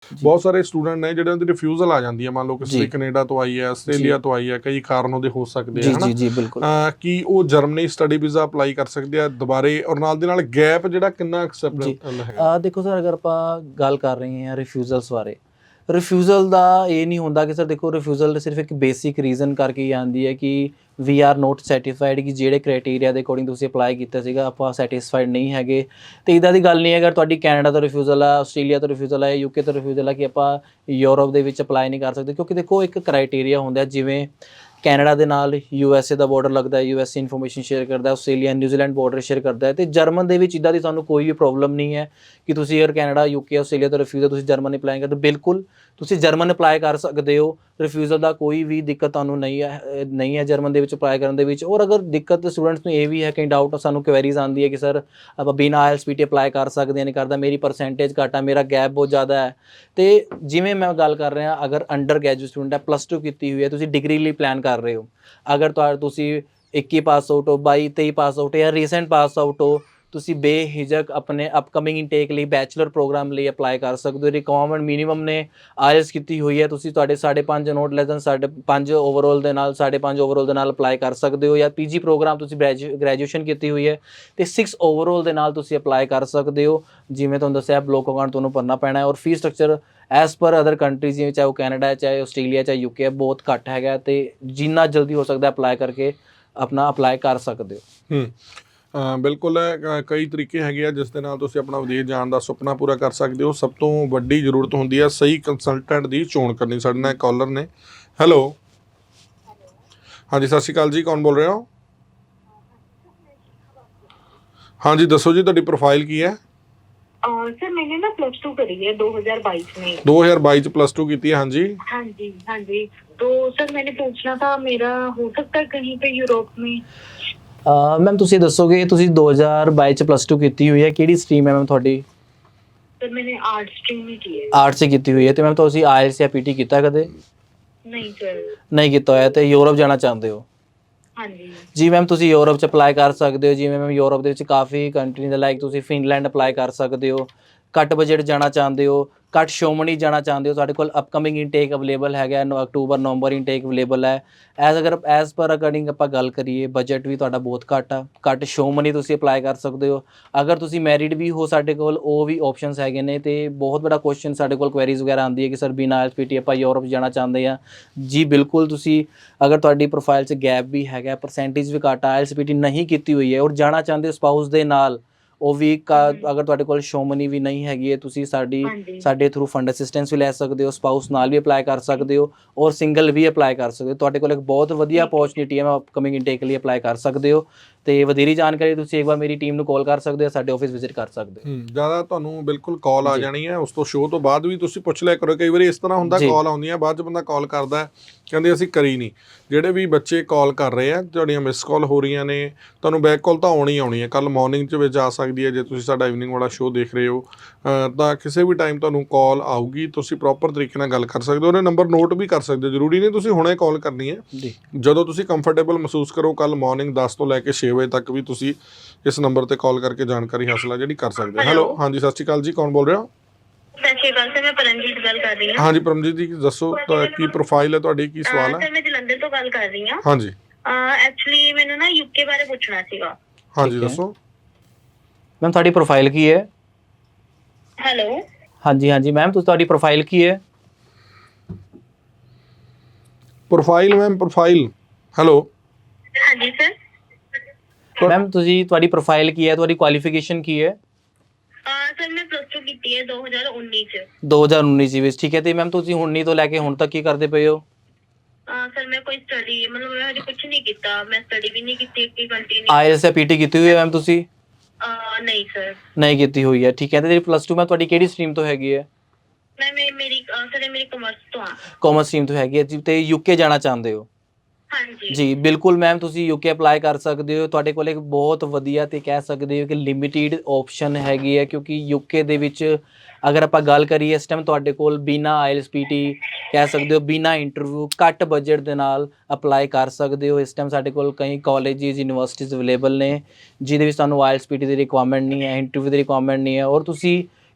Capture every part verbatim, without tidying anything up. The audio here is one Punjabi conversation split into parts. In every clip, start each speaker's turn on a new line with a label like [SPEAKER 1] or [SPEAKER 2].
[SPEAKER 1] ਬਹੁਤ ਸਾਰੇ ਸਟੂਡੈਂਟ ਨੇ ਜਿਹੜੇ ਦੀ ਰਿਫਿਊਜ਼ਲ ਆ ਜਾਂਦੀ ਹੈ, ਮੰਨ ਲਓ ਕਿਸੇ ਕੈਨੇਡਾ ਤੋਂ ਆਈ ਹੈ, ਆਸਟ੍ਰੇਲੀਆ ਤੋਂ ਆਈ ਹੈ, ਕਈ ਕਾਰਨ ਉਹਦੇ ਹੋ ਸਕਦੇ ਆ,
[SPEAKER 2] ਜੀ ਜੀ ਬਿਲਕੁਲ।
[SPEAKER 1] ਕੀ ਉਹ ਜਰਮਨੀ ਸਟੱਡੀ ਵੀਜ਼ਾ ਅਪਲਾਈ ਕਰ ਸਕਦੇ ਆ ਦੁਬਾਰੇ, ਔਰ ਨਾਲ ਦੇ ਨਾਲ ਗੈਪ ਜਿਹੜਾ ਕਿੰਨਾ ਐਕਸੈਪਟੇਬਲ ਹੈ?
[SPEAKER 2] ਦੇਖੋ ਸਰ, ਅਗਰ ਆਪਾਂ ਗੱਲ ਕਰ ਰਹੇ ਹਾਂ ਰਿਫਿਊਜ਼ਲਸ ਬਾਰੇ, ਰਿਫਿਊਜ਼ਲ ਦਾ ਇਹ ਨਹੀਂ ਹੁੰਦਾ ਕਿ ਸਰ ਦੇਖੋ ਰਿਫਿਊਜ਼ਲ ਸਿਰਫ ਇੱਕ ਬੇਸਿਕ ਰੀਜ਼ਨ ਕਰਕੇ ਹੀ ਆਉਂਦੀ ਹੈ ਕਿ ਵੀ ਆਰ ਨੋਟ ਸੈਟੀਸਫਾਈਡ, ਕਿ ਜਿਹੜੇ ਕ੍ਰਾਈਟੇਰੀਆ ਦੇ ਅਕੋਰਡਿੰਗ ਤੁਸੀਂ ਅਪਲਾਈ ਕੀਤਾ ਸੀਗਾ ਆਪਾਂ ਸੈਟਿਸਫਾਈਡ ਨਹੀਂ ਹੈਗੇ। ਅਤੇ ਇੱਦਾਂ ਦੀ ਗੱਲ ਨਹੀਂ ਹੈ, ਅਗਰ ਤੁਹਾਡੀ ਕੈਨੇਡਾ ਤੋਂ ਰਿਫਿਊਜ਼ਲ ਆ, ਆਸਟ੍ਰੇਲੀਆ ਤੋਂ ਰਿਫਿਊਜ਼ਲ ਹੈ, ਯੂਕੇ ਤੋਂ ਰਿਫਿਊਜ਼ਲ ਆ, ਕਿ ਆਪਾਂ ਯੂਰਪ ਦੇ ਵਿੱਚ ਅਪਲਾਈ ਨਹੀਂ ਕਰ ਸਕਦੇ, ਕਿਉਂਕਿ ਦੇਖੋ ਇੱਕ ਕ੍ਰਾਈਟੇਰੀਆ ਹੁੰਦਾ, ਜਿਵੇਂ ਕੈਨੇਡਾ ਦੇ ਨਾਲ ਯੂ ਐਸ ਏ ਦਾ ਬਾਰਡਰ ਲੱਗਦਾ ਹੈ, U S A information share ਕਰਦਾ, ਆਸਟ੍ਰੇਲੀਆ ਨਿਊਜ਼ੀਲੈਂਡ ਬਾਰਡਰ ਸ਼ੇਅਰ ਕਰਦਾ ਹੈ। ਅਤੇ ਜਰਮਨ ਦੇ ਵਿੱਚ ਇੱਦਾਂ ਦੀ ਤੁਹਾਨੂੰ ਕੋਈ ਵੀ ਪ੍ਰੋਬਲਮ ਨਹੀਂ ਹੈ ਕਿ ਤੁਸੀਂ ਅਗਰ ਕੈਨੇਡਾ, ਯੂਕੇ, ਆਸਟ੍ਰੇਲੀਆ ਤੋਂ ਰਿਫਿਊਜ਼ਲ ਤੁਸੀਂ ਜਰਮਨ ਅਪਲਾਈ ਕਰਦੇ, ਬਿਲਕੁਲ ਤੁਸੀਂ ਜਰਮਨ ਅਪਲਾਈ ਕਰ ਸਕਦੇ ਹੋ। ਰਿਫਿਊਜ਼ਲ ਦਾ ਕੋਈ ਵੀ ਦਿੱਕਤ ਤੁਹਾਨੂੰ ਨਹੀਂ ਹੈ ਨਹੀਂ ਹੈ ਜਰਮਨ ਦੇ ਵਿੱਚ ਅਪਲਾਈ ਕਰਨ ਦੇ ਵਿੱਚ। ਔਰ ਅਗਰ ਦਿੱਕਤ ਸਟੂਡੈਂਟਸ ਨੂੰ ਇਹ ਵੀ ਹੈ, ਕਈ ਡਾਊਟ ਸਾਨੂੰ ਕੁਐਰੀਜ਼ ਆਉਂਦੀ ਹੈ ਕਿ ਸਰ ਆਪਾਂ ਬਿਨਾਂ I L P T apply ਕਰ ਸਕਦੇ ਹਾਂ, ਨਹੀਂ ਕਰਦਾ, ਮੇਰੀ ਪਰਸੈਂਟੇਜ ਘੱਟ ਆ, ਮੇਰਾ ਗੈਪ ਬਹੁਤ ਜ਼ਿਆਦਾ ਹੈ। ਅਤੇ ਜਿਵੇਂ ਮੈਂ ਗੱਲ ਕਰ ਰਿਹਾ, ਅਗਰ ਅੰਡਰ ਗ੍ਰੈਜੂਏਟ ਸਟੂਡੈਂਟ ਹੈ, ਪਲੱਸ ਟੂ ਕੀਤੀ ਹੋਈ ਹੈ, ਤੁਸੀਂ ਡਿਗਰੀ ਲਈ ਪਲਾਨ ਕਰ ਰਹੇ ਹੋ, ਅਗਰ ਤੁਹਾ ਤੁਸੀਂ ਇੱਕੀ ਪਾਸ ਆਊਟ ਹੋ, ਬਾਈ ਤੇਈ ਪਾਸ ਆਊਟ ਜਾਂ ਰੀਸੈਂਟ ਪਾਸ ਆਊਟ ਹੋ, ਤੁਸੀਂ ਬੇਝਿਜਕ ਆਪਣੇ ਅਪਕਮਿੰਗ ਇਨਟੇਕ ਲਈ ਬੈਚਲਰ ਪ੍ਰੋਗਰਾਮ ਲਈ ਅਪਲਾਈ ਕਰ ਸਕਦੇ ਹੋ। ਰਿਕੁਆਇਰਮੈਂਟ ਮਿਨੀਮਮ ਨੇ ਆਈਐਲਸ ਕੀਤੀ ਹੋਈ ਹੈ, ਤੁਸੀਂ ਤੁਹਾਡੇ ਸਾਢੇ ਪੰਜ ਨੋਟ ਲੈਸ ਦੈਨ ਸਾਢੇ ਪੰਜ ਓਵਰਆਲ ਦੇ ਨਾਲ ਸਾਢੇ ਪੰਜ ਓਵਰਆਲ ਦੇ ਨਾਲ ਅਪਲਾਈ ਕਰ ਸਕਦੇ ਹੋ। ਜਾਂ ਪੀਜੀ ਪ੍ਰੋਗਰਾਮ ਤੁਸੀਂ ਗ੍ਰੈਜੂ ਗ੍ਰੈਜੂਏਸ਼ਨ ਕੀਤੀ ਹੋਈ ਹੈ ਅਤੇ ਸਿਕਸ ਓਵਰਆਲ ਦੇ ਨਾਲ ਤੁਸੀਂ ਅਪਲਾਈ ਕਰ ਸਕਦੇ ਹੋ। ਜਿਵੇਂ ਤੁਹਾਨੂੰ ਦੱਸਿਆ, ਬਲੋਕ ਅਕਾਊਂਟ ਤੁਹਾਨੂੰ ਭਰਨਾ ਪੈਣਾ ਹੈ। ਔਰ fees structure as per other countries, ਜਿਵੇਂ ਚਾਹੇ ਉਹ ਕੈਨੇਡਾ ਹੈ, ਚਾਹੇ ਆਸਟ੍ਰੇਲੀਆ, ਚਾਹੇ ਯੂਕੇ ਹੈ, ਬਹੁਤ ਘੱਟ ਹੈਗਾ। ਅਤੇ ਜਿੰਨਾ ਜਲਦੀ ਹੋ ਸਕਦਾ ਅਪਲਾਈ ਕਰਕੇ ਆਪਣਾ ਅਪਲਾਈ ਕਰ ਸਕਦੇ ਹੋ।
[SPEAKER 1] ਬਿਲਕੁਲ, ਕਈ ਤਰੀਕੇ ਹੈਗੇ ਆ ਜਿਸ ਦੇ ਨਾਲ ਤੁਸੀਂ ਆਪਣਾ ਵਿਦੇਸ਼ ਜਾਣ ਦਾ ਸੁਪਨਾ ਪੂਰਾ ਕਰ ਸਕਦੇ ਹੋ। ਸਭ ਤੋਂ ਵੱਡੀ ਜ਼ਰੂਰਤ ਹੁੰਦੀ ਹੈ ਸਹੀ ਕੰਸਲਟੈਂਟ ਦੀ ਚੋਣ ਕਰਨੀ। ਸਾਡੇ ਨਾਲ ਕਾਲਰ ਨੇ। ਹੈਲੋ, ਹਾਂਜੀ ਸਤਿ ਸ਼੍ਰੀ ਅਕਾਲ ਜੀ, ਕੌਣ ਬੋਲ ਰਹੇ ਹੋ? ਹਾਂਜੀ ਦੱਸੋ ਜੀ, ਤੁਹਾਡੀ ਪ੍ਰੋਫਾਈਲ ਕੀ ਹੈ?
[SPEAKER 3] सर मैंने ना प्लस टू करी है दो हज़ार बाईस में।
[SPEAKER 1] दो हज़ार बाईस प्लस टू की थी? हाँ जी
[SPEAKER 3] हाँ जी हाँ जी। तो सर मैंने पूछना था, मेरा हो सकता है कहीं पे यूरोप में?
[SPEAKER 2] ਮੈਮ ਤੁਸੀਂ ਦੱਸੋਗੇ, ਤੁਸੀਂ ਦੋ ਹਜ਼ਾਰ ਬਾਈ 'ਚ ਪਲੱਸ ਟੂ ਕੀਤੀ ਹੋਈ ਹੈ, ਕਿਹੜੀ ਸਟਰੀਮ ਹੈ ਮੈਮ ਤੁਹਾਡੀ?
[SPEAKER 3] सर मैंने आर्ट स्ट्रीम में की है।
[SPEAKER 2] ਆਰਟਸ 'ਚ ਕੀਤੀ ਹੋਈ ਹੈ। ਅਤੇ ਮੈਮ ਤੁਸੀਂ ਆਈਐਲਸ ਜਾਂ ਪੀਟੀ ਕੀਤਾ ਕਦੇ?
[SPEAKER 3] नहीं सर।
[SPEAKER 2] ਨਹੀਂ ਕੀਤਾ ਹੋਇਆ। ਅਤੇ ਯੂਰਪ ਜਾਣਾ ਚਾਹੁੰਦੇ ਹੋ?
[SPEAKER 3] हाँ जी
[SPEAKER 2] ਜੀ ਮੈਮ, ਤੁਸੀਂ ਯੂਰਪ 'ਚ ਅਪਲਾਈ ਕਰ ਸਕਦੇ ਹੋ। ਜਿਵੇਂ ਮੈਮ ਯੂਰਪ ਦੇ ਵਿੱਚ ਕਾਫੀ ਕੰਟਰੀ ਦੇ, ਲਾਈਕ ਤੁਸੀਂ ਫਿਨਲੈਂਡ ਅਪਲਾਈ ਕਰ ਸਕਦੇ ਹੋ। ਘੱਟ ਬਜਟ ਜਾਣਾ ਚਾਹੁੰਦੇ ਹੋ, ਘੱਟ ਸ਼ੋਮਣੀ ਜਾਣਾ ਚਾਹੁੰਦੇ ਹੋ, ਸਾਡੇ ਕੋਲ ਅਪਕਮਿੰਗ ਇਨਟੇਕ ਅਵੇਲੇਬਲ ਹੈਗਾ, ਅਕਤੂਬਰ ਨਵੰਬਰ ਇਨਟੇਕ ਅਵੇਲੇਬਲ ਹੈ। ਐਜ਼ ਅਗਰ ਐਜ਼ ਪਰ ਅਕੋਰਡਿੰਗ ਆਪਾਂ ਗੱਲ ਕਰੀਏ, ਬਜਟ ਵੀ ਤੁਹਾਡਾ ਬਹੁਤ ਘੱਟ ਆ, ਘੱਟ ਸ਼ੋਮਣੀ ਤੁਸੀਂ ਅਪਲਾਈ ਕਰ ਸਕਦੇ ਹੋ। ਅਗਰ ਤੁਸੀਂ ਮੈਰਿਡ ਵੀ ਹੋ, ਸਾਡੇ ਕੋਲ ਉਹ ਵੀ ਆਪਸ਼ਨਸ ਹੈਗੇ ਨੇ। ਅਤੇ ਬਹੁਤ ਬੜਾ ਕੁਐਸਚਨ ਸਾਡੇ ਕੋਲ ਕੁਐਰੀਜ਼ ਵਗੈਰਾ ਆਉਂਦੀ ਹੈ ਕਿ ਸਰ ਬਿਨਾਂ ਆਈ ਐਲ ਪੀ ਟੀ ਆਪਾਂ ਯੂਰਪ ਜਾਣਾ ਚਾਹੁੰਦੇ ਹਾਂ। ਜੀ ਬਿਲਕੁਲ, ਤੁਸੀਂ ਅਗਰ ਤੁਹਾਡੀ ਪ੍ਰੋਫਾਈਲ 'ਚ ਗੈਪ ਵੀ ਹੈਗਾ, ਪਰਸੈਂਟੇਜ ਵੀ ਘੱਟ ਆ, ਆਈ ਐਲ ਪੀ ਟੀ ਨਹੀਂ ਕੀਤੀ ਹੋਈ ਹੈ, ਔਰ ਜਾਣਾ ਚਾਹੁੰਦੇ ਹੋ ਸਪਾਊਸ ਦੇ ਨਾਲ, ਉਹ ਵੀ ਕਾ ਅਗਰ ਤੁਹਾਡੇ ਕੋਲ ਸ਼ੋਮਨੀ ਵੀ ਨਹੀਂ ਹੈਗੀ ਹੈ, ਤੁਸੀਂ ਸਾਡੀ ਸਾਡੇ ਥਰੂ ਫੰਡ ਅਸਿਸਟੈਂਸ ਵੀ ਲੈ ਸਕਦੇ ਹੋ, ਸਪਾਊਸ ਨਾਲ ਵੀ ਅਪਲਾਈ ਕਰ ਸਕਦੇ ਹੋ, ਔਰ ਸਿੰਗਲ ਵੀ ਅਪਲਾਈ ਕਰ ਸਕਦੇ ਹੋ। ਤੁਹਾਡੇ ਕੋਲ ਇੱਕ ਬਹੁਤ ਵਧੀਆ ਅਪੋਰਚੁਨਿਟੀ ਹੈ, ਅਪਕਮਿੰਗ ਇਨਟੇਕ ਲਈ ਅਪਲਾਈ ਕਰ ਸਕਦੇ ਹੋ। ਅਤੇ ਵਧੇਰੀ ਜਾਣਕਾਰੀ ਤੁਸੀਂ ਇੱਕ ਵਾਰ ਮੇਰੀ ਟੀਮ ਨੂੰ ਕਾਲ ਕਰ ਸਕਦੇ ਹੋ, ਸਾਡੇ ਆਫਿਸ ਵਿਜ਼ਿਟ ਕਰ ਸਕਦੇ ਹੋ।
[SPEAKER 1] ਜ਼ਿਆਦਾ ਤੁਹਾਨੂੰ ਬਿਲਕੁਲ ਕਾਲ ਆ ਜਾਣੀ ਹੈ, ਉਸ ਤੋਂ ਸ਼ੋਅ ਤੋਂ ਬਾਅਦ ਵੀ ਤੁਸੀਂ ਪੁੱਛ ਲਿਆ ਕਰੋ। ਕਈ ਵਾਰੀ ਇਸ ਤਰ੍ਹਾਂ ਹੁੰਦਾ, ਕਾਲ ਆਉਂਦੀਆਂ, ਬਾਅਦ 'ਚ ਬੰਦਾ ਕਾਲ ਕਰਦਾ ਕਹਿੰਦੇ ਅਸੀਂ ਕਰੀ ਨਹੀਂ। ਜਿਹੜੇ ਵੀ ਬੱਚੇ ਕਾਲ ਕਰ ਰਹੇ ਆ, ਤੁਹਾਡੀਆਂ ਮਿਸ ਕਾਲ ਹੋ ਰਹੀਆਂ ਨੇ, ਤੁਹਾਨੂੰ ਬੈਕ ਕਾਲ ਤਾਂ ਆਉਣੀ ਆਉਣੀ ਹੈ। ਕੱਲ੍ਹ ਮੋਰਨਿੰਗ 'ਚ ਵਿੱਚ ਆ ਸਕਦੀ ਹੈ, ਜੇ ਤੁਸੀਂ ਸਾਡਾ ਇਵਨਿੰਗ ਵਾਲਾ ਸ਼ੋਅ ਦੇਖ ਰਹੇ ਹੋ ਤਾਂ ਕਿਸੇ ਵੀ ਟਾਈਮ ਤੁਹਾਨੂੰ ਕਾਲ ਆਊਗੀ। ਤੁਸੀਂ ਪ੍ਰੋਪਰ ਤਰੀਕੇ ਨਾਲ ਗੱਲ ਕਰ ਸਕਦੇ ਹੋ, ਉਹਨੇ ਨੰਬਰ ਨੋਟ ਵੀ ਕਰ ਸਕਦੇ ਹੋ। ਜ਼ਰੂਰੀ ਨਹੀਂ ਤੁਸੀਂ ਹੁਣੇ ਕਾਲ ਕਰਨੀ ਹੈ, ਜਦੋਂ ਤੁਸੀਂ ਕੰਫਰਟੇਬਲ ਮਹਿਸੂਸ ਕਰੋ। ਕੱਲ੍ਹ ਮੋਰਨਿੰਗ ਦਸ ਤੋਂ ਲੈ ਕੇ ਛੇ ਵਜੇ ਤੱਕ ਵੀ ਤੁਸੀਂ ਇਸ ਨੰਬਰ 'ਤੇ ਕਾਲ ਕਰਕੇ ਜਾਣਕਾਰੀ ਹਾਸਲ ਹੈ ਜਿਹੜੀ ਕਰ ਸਕਦੇ ਹੋ। ਹੈਲੋ, ਹਾਂਜੀ ਸਤਿ ਸ਼੍ਰੀ ਅਕਾਲ ਜੀ, ਕੌਣ ਬੋਲ ਰਹੇ ਹੋ?
[SPEAKER 3] ਸਤਿ ਸ਼੍ਰੀ ਅਕਾਲ ਸਰ, ਮੈਂ ਪਰਮਜੀਤ ਗੱਲ ਕਰ ਰਹੀ ਹਾਂ।
[SPEAKER 1] ਹਾਂਜੀ ਪਰਮਜੀਤ ਜੀ, ਦੱਸੋ ਕੀ ਪ੍ਰੋਫਾਈਲ ਹੈ ਤੁਹਾਡੀ, ਕੀ ਸਵਾਲ ਹੈ?
[SPEAKER 3] ਸਰ ਮੈਂ ਜਲੰਧਰ ਤੋਂ ਗੱਲ ਕਰ ਰਹੀ ਹਾਂ।
[SPEAKER 1] ਹਾਂਜੀ
[SPEAKER 3] ਐਕਚੁਅਲੀ ਮੈਨੂੰ ਨਾ ਯੂਕੇ ਬਾਰੇ ਪੁੱਛਣਾ ਸੀਗਾ।
[SPEAKER 1] ਹਾਂਜੀ ਦੱਸੋ
[SPEAKER 2] ਮੈਮ, ਤੁਹਾਡੀ ਪ੍ਰੋਫਾਈਲ ਕੀ ਹੈ?
[SPEAKER 3] ਹੈਲੋ,
[SPEAKER 2] ਹਾਂਜੀ ਹਾਂਜੀ ਮੈਮ, ਤੁਸੀਂ ਤੁਹਾਡੀ ਪ੍ਰੋਫਾਈਲ ਕੀ ਹੈ?
[SPEAKER 1] Profile ma'am, profile. ਹੈਲੋ,
[SPEAKER 3] ਹਾਂਜੀ ਸਰ।
[SPEAKER 2] ਮੈਮ, ਤੁਸੀਂ ਤੁਹਾਡੀ ਪ੍ਰੋਫਾਈਲ ਕੀ ਹੈ, ਤੁਹਾਡੀ ਕੁਆਲੀਫਿਕੇਸ਼ਨ ਕੀ ਹੈ?
[SPEAKER 3] ਸਰ ਮੈਂ ਪਲੱਸ ਟੂ ਕੀਤੀ ਹੈ ਦੋ ਹਜ਼ਾਰ ਉੱਨੀ 'ਚ।
[SPEAKER 2] ਦੋ ਹਜ਼ਾਰ ਉੱਨੀ 'ਚ ਵਿੱਚ, ਠੀਕ ਹੈ। ਅਤੇ ਮੈਮ ਤੁਸੀਂ ਉੱਨੀ ਤੋਂ ਲੈ ਕੇ ਹੁਣ ਤੱਕ ਕੀ ਕਰਦੇ ਪਏ ਹੋ?
[SPEAKER 3] ਸਰ ਮੈਂ ਕੋਈ ਸਟੱਡੀ ਮਤਲਬ ਮੈਂ ਹਜੇ ਕੁਛ ਨਹੀਂ ਕੀਤਾ, ਮੈਂ ਸਟੱਡੀ ਵੀ ਨਹੀਂ ਕੀਤੀ ਅੱਗੇ ਕੰਟੀਨਿਊ।
[SPEAKER 2] ਆਈਐਲਸ ਜਾਂ ਪੀਟੀ ਕੀਤੀ ਹੋਈ ਹੈ ਮੈਮ ਤੁਸੀਂ?
[SPEAKER 3] ਨਹੀਂ ਸਰ।
[SPEAKER 2] ਨਹੀਂ ਕੀਤੀ ਹੋਈ ਹੈ, ਠੀਕ ਹੈ। ਅਤੇ ਜਿਹੜੀ ਪਲੱਸ ਟੂ ਮੈਂ ਤੁਹਾਡੀ ਕਿਹੜੀ ਸਟਰੀਮ ਤੋਂ ਹੈਗੀ ਹੈ?
[SPEAKER 3] ਮੈਂ ਮੇਰੀ ਸਰ ਮੇਰੀ ਕਮਰਸ ਤੋਂ ਆ।
[SPEAKER 2] ਕਾਮਰਸ ਸਟਰੀਮ ਤੋਂ ਹੈਗੀ ਹੈ ਜੀ। ਅਤੇ ਯੂਕੇ ਜਾਣਾ ਚਾਹੁੰਦੇ ਹੋ?
[SPEAKER 3] ਹਾਂਜੀ
[SPEAKER 2] ਜੀ ਬਿਲਕੁਲ ਮੈਮ, ਤੁਸੀਂ ਯੂਕੇ ਅਪਲਾਈ ਕਰ ਸਕਦੇ ਹੋ। ਤੁਹਾਡੇ ਕੋਲ ਇੱਕ ਬਹੁਤ ਵਧੀਆ ਅਤੇ ਕਹਿ ਸਕਦੇ ਹੋ ਕਿ ਲਿਮਿਟਿਡ ਆਪਸ਼ਨ ਹੈਗੀ ਹੈ, ਕਿਉਂਕਿ ਯੂਕੇ ਦੇ ਵਿੱਚ ਅਗਰ ਆਪਾਂ ਗੱਲ ਕਰੀਏ, ਇਸ ਟਾਈਮ ਤੁਹਾਡੇ ਕੋਲ ਬਿਨਾਂ ਆਈਐਲਸ ਪੀ ਟੀ ਕਹਿ ਸਕਦੇ ਹੋ, ਬਿਨਾਂ ਇੰਟਰਵਿਊ, ਘੱਟ ਬਜਟ ਦੇ ਨਾਲ ਅਪਲਾਈ ਕਰ ਸਕਦੇ ਹੋ। ਇਸ ਟਾਈਮ ਸਾਡੇ ਕੋਲ ਕਈ ਕਾਲਜਿਸ, ਯੂਨੀਵਰਸਿਟੀਜ਼ ਅਵੇਲੇਬਲ ਨੇ ਜਿਹਦੇ ਵਿੱਚ ਤੁਹਾਨੂੰ ਆਈਐਲਸ ਪੀ ਟੀ ਦੀ ਰਿਕੁਆਇਰਮੈਂਟ ਨਹੀਂ ਹੈ, ਇੰਟਰਵਿਊ ਦੀ ਰਿਕੁਆਇਰਮੈਂਟ ਨਹੀਂ ਹੈ, ਔਰ ਤੁਸੀਂ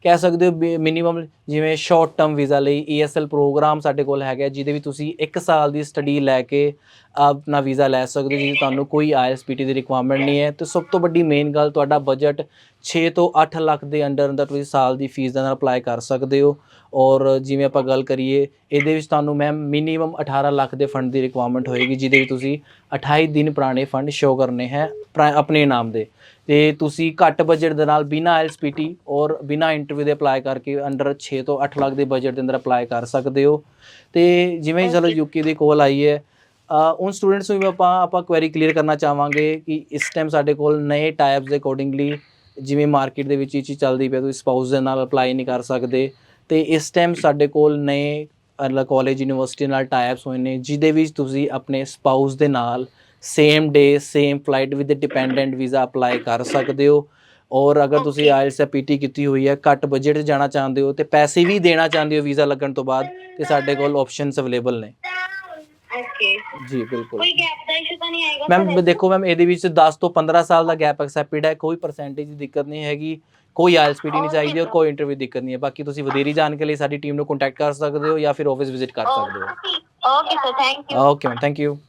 [SPEAKER 2] ਕਹਿ ਸਕਦੇ ਹੋ ਮਿਨੀਮਮ ਜਿਵੇਂ ਸ਼ਾਰਟ ਟਰਮ ਵੀਜ਼ਾ ਲਈ ਈ ਐਸ ਐਲ ਪ੍ਰੋਗਰਾਮ ਸਾਡੇ ਕੋਲ ਹੈਗਾ, ਜਿਹਦੇ ਵਿੱਚ ਤੁਸੀਂ ਇੱਕ ਸਾਲ ਦੀ ਸਟੱਡੀ ਲੈ ਕੇ ਆਪਣਾ ਵੀਜ਼ਾ ਲੈ ਸਕਦੇ ਹੋ, ਜਿਹਦੇ ਤੁਹਾਨੂੰ ਕੋਈ ਆਈ ਐਲ ਪੀ ਟੀ ਦੀ ਰਿਕੁਆਇਰਮੈਂਟ ਨਹੀਂ ਹੈ। ਤੇ ਸਭ ਤੋਂ ਵੱਡੀ ਮੇਨ ਗੱਲ, ਤੁਹਾਡਾ ਬਜਟ ਛੇ ਤੋਂ ਅੱਠ ਲੱਖ ਦੇ ਅੰਡਰ ਅੰਦਰ ਤੁਸੀਂ ਸਾਲ ਦੀ ਫੀਸ ਦੇ ਨਾਲ ਅਪਲਾਈ ਕਰ ਸਕਦੇ ਹੋ। ਔਰ ਜਿਵੇਂ ਆਪਾਂ ਗੱਲ ਕਰੀਏ, ਇਹਦੇ ਵਿੱਚ ਤੁਹਾਨੂੰ ਮੈਮ ਮਿਨੀਮਮ ਅਠਾਰਾਂ ਲੱਖ ਦੇ ਫੰਡ ਦੀ ਰਿਕੁਆਇਰਮੈਂਟ ਹੋਏਗੀ, ਜਿਹਦੇ ਵਿੱਚ ਤੁਸੀਂ ਅਠਾਈ ਦਿਨ ਪੁਰਾਣੇ ਫੰਡ ਸ਼ੋ ਕਰਨੇ ਹੈ ਆਪਣੇ ਨਾਮ ਦੇ। ਤੇ ਤੁਸੀਂ ਘੱਟ ਬਜਟ ਦੇ ਨਾਲ ਬਿਨਾਂ ਆਈ ਐਲ ਪੀ ਟੀ ਔਰ ਬਿਨਾਂ ਇੰਟਰਵਿਊ ਦੇ ਅਪਲਾਈ ਕਰਕੇ ਅੰਡਰ ਛੇ ਤੋਂ ਅੱਠ ਲੱਖ ਦੇ ਬਜਟ ਦੇ ਅੰਦਰ ਅਪਲਾਈ ਕਰ ਸਕਦੇ ਹੋ। ਤੇ ਜਿਵੇਂ ਚਲੋ ਯੂਕੇ ਦੀ ਕੋਲ ਆਈ ਹੈ, ਉਨ ਸਟੂਡੈਂਟਸ ਨੂੰ ਵੀ ਆਪਾਂ ਆਪਾਂ ਕੁਐਰੀ ਕਲੀਅਰ ਕਰਨਾ ਚਾਹਾਂਗੇ ਕਿ ਇਸ ਟਾਈਮ ਸਾਡੇ ਕੋਲ ਨਏ ਟਾਈਪਸ ਦੇ ਅਕੋਰਡਿੰਗਲੀ, ਜਿਵੇਂ ਮਾਰਕੀਟ ਦੇ ਵਿੱਚ ਇਹ ਚੀਜ਼ ਚੱਲਦੀ ਪਈ, ਤੁਸੀਂ ਸਪਾਊਸ ਦੇ ਨਾਲ ਅਪਲਾਈ ਨਹੀਂ ਕਰ ਸਕਦੇ। ਤੇ ਇਸ ਟਾਈਮ ਸਾਡੇ ਕੋਲ ਨਏ ਕਾਲਜ ਯੂਨੀਵਰਸਿਟੀ ਨਾਲ ਟਾਈਪਸ ਹੋਏ ਨੇ, ਜਿਹਦੇ ਵਿੱਚ ਤੁਸੀਂ ਆਪਣੇ ਸਪਾਊਸ ਦੇ ਨਾਲ same day same flight with dependent visa apply ਕਰ ਸਕਦੇ ਹੋ। ਔਰ ਅਗਰ ਤੁਸੀਂ ਆਈ ਐਲ ਪੀ ਟੀ ਪੀ ਕੀਤੀ ਹੋਈ ਹੈ, ਘੱਟ ਬਜਟ 'ਚ ਜਾਣਾ ਚਾਹੁੰਦੇ ਹੋ ਤੇ ਪੈਸੇ ਵੀ ਦੇਣਾ ਚਾਹੁੰਦੇ ਹੋ ਵੀਜ਼ਾ ਲੱਗਣ ਤੋਂ ਬਾਅਦ, ਤੇ ਸਾਡੇ ਕੋਲ ਆਪਸ਼ਨਸ ਅਵੇਲੇਬਲ ਨੇ।
[SPEAKER 3] ਓਕੇ
[SPEAKER 2] ਜੀ ਬਿਲਕੁਲ
[SPEAKER 3] ਕੋਈ ਗੈਪ ਦਾ ਇਸ਼ੂ ਤਾਂ ਨਹੀਂ ਆਏਗਾ
[SPEAKER 2] ਮੈਮ। ਦੇਖੋ ਮੈਮ, ਇਹਦੇ ਵਿੱਚ ਦਸ ਤੋਂ ਪੰਦਰਾਂ ਸਾਲ ਦਾ ਗੈਪ ਐਕਸੈਪਟਡ ਹੈ, ਕੋਈ ਪਰਸੈਂਟੇਜ ਦੀ ਦਿੱਕਤ ਨਹੀਂ ਹੈਗੀ, ਕੋਈ ਆਈ ਐਲ ਪੀ ਟੀ ਨਹੀਂ ਚਾਹੀਦੀ ਔਰ ਕੋਈ ਇੰਟਰਵਿਊ ਦਿੱਕਤ ਨਹੀਂ ਹੈ। ਬਾਕੀ ਤੁਸੀਂ ਵਧੇਰੀ ਜਾਣਕਾਰੀ ਲਈ ਸਾਡੀ ਟੀਮ ਨੂੰ ਕੰਟੈਕਟ ਕਰ ਸਕਦੇ ਹੋ ਜਾਂ ਫਿਰ ਆਫਿਸ ਵਿਜ਼ਿਟ ਕਰ ਸਕਦੇ ਹੋ।
[SPEAKER 3] Okay sir, thank you.
[SPEAKER 2] Okay ma'am, thank you.